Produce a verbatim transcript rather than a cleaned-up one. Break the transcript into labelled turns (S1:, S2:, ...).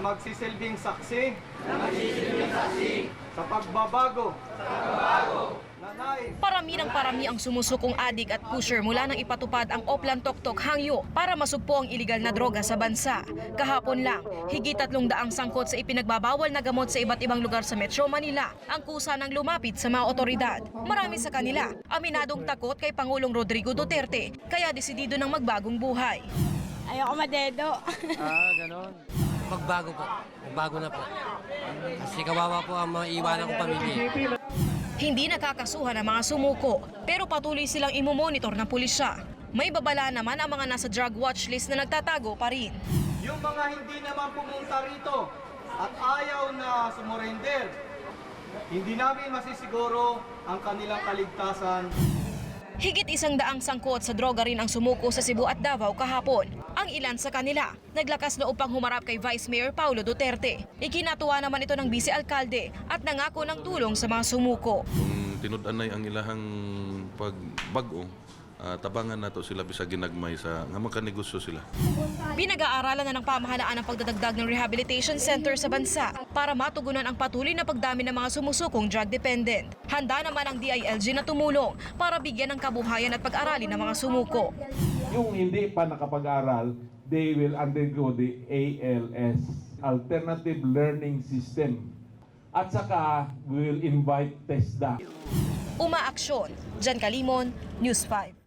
S1: magsisilbing saksi, magsisilbing saksi sa pagbabago, sa pagbabago na nais.
S2: Parami ng parami ang sumusukong adik at pusher mula nang ipatupad ang Oplan Toktok Hangyo para masugpo ang iligal na droga sa bansa. Kahapon lang, higit tatlong daang sangkot sa ipinagbabawal na gamot sa iba't ibang lugar sa Metro Manila ang kusa ng lumapit sa mga otoridad. Marami sa kanila, aminadong takot kay Pangulong Rodrigo Duterte, kaya desidido ng magbagong buhay.
S3: Ayoko madedo.
S4: Ah, ganon. Magbago po. Magbago na po. Kasi kawawa po ang mga iwanan kong pamilya.
S2: Hindi nakakasuhan ang mga sumuko, pero patuloy silang imomonitor ng pulisya. May babala naman ang mga nasa drug watch list na nagtatago pa rin.
S1: Yung mga hindi naman pumunta rito at ayaw na sumurrender, hindi namin masisiguro ang kanilang kaligtasan.
S2: Higit isang daang sangkot sa droga rin ang sumuko sa Cebu at Davao kahapon. Ang ilan sa kanila, naglakas loob pang humarap kay Vice Mayor Paulo Duterte. Ikinatuwa naman ito ng Vice Alcalde at nangako ng tulong sa mga sumuko.
S5: Kung tinud-anay ang ilahang pagbago, uh, tabangan nato sila bisa ginagmay sa nga magkanegosyo sila.
S2: Pinag-aaralan na ng pamahalaan ang pagdadagdag ng rehabilitation center sa bansa para matugunan ang patuloy na pagdami ng mga sumusukong drug dependent. Handa naman ang D I L G na tumulong para bigyan ng kabuhayan at pag-aralin ng mga sumuko.
S6: Yung hindi pa nakapag-aral, they will undergo the A L S, Alternative Learning System. At saka, we will invite TESDA.
S2: Umaaksyon, Jan Kalimon, News five.